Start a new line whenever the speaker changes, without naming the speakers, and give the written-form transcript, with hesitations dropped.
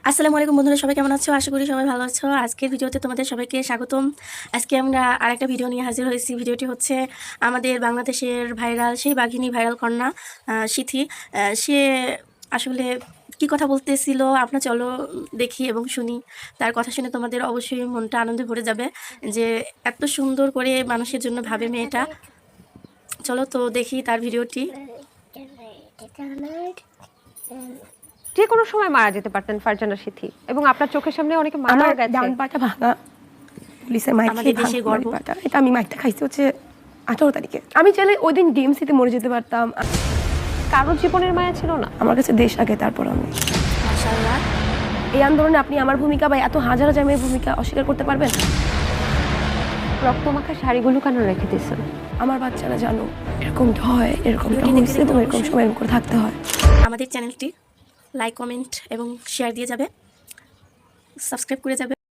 আসসালামু আলাইকুম বন্ধুরা, সবাই কেমন আছো? আশা করি সবাই ভালো আছো। আজকের ভিডিওতে তোমাদের সবাইকে স্বাগতম। আজকে আমরা আরেকটা ভিডিও নিয়ে হাজির হয়েছি। ভিডিওটি হচ্ছে আমাদের বাংলাদেশের ভাইরাল সেই বাঘিনী ভাইরাল কন্যা সিথি। সে আসলে কি কথা বলতেছিল, আপনারা চলো দেখি এবং শুনি। তার কথা শুনে তোমাদের অবশ্যই মনটা আনন্দে ভরে যাবে যে এত সুন্দর করে মানুষের জন্য ভাবে মেয়েটা। চলো তো দেখি তার ভিডিওটি।
যে কোনো সময় মারা যেতে পারতেন ফারজানা সিথি, এবং আপনার চোখের সামনে অনেকে মারা গেছে।
ডান পাটা ভাঙা, পুলিশের মাইক
আমাদের
খেয়ে
দেশের গর্ব।
পাটা। এটা আমি মাইকটা খাইছি হচ্ছে 18 তারিখে। আমি চাইলে ওই দিন ডিএমসিতে মরে যেতে পারতাম।
কারোর জীবনের মায়া ছিল না?
আমার কাছে দেশ আগে, তারপর আমি।
মাশাআল্লাহ।
এই আন্দোলনে আপনি আমার ভূমিকা বা এত হাজার হাজার মেয়ের ভূমিকা অস্বীকার করতে পারবেন?
রক্তমাখা শাড়িগুলো কেন রেখে দিয়েছেন?
আমার বাচ্চারা জানো এরকম হয়, এরকম হয়েছে এবং এরকম সময় এরকম করে থাকতে হয়।
আমাদের চ্যানেলটি লাইক, কমেন্ট এবং শেয়ার দিয়ে যাবে, সাবস্ক্রাইব করে যাবে।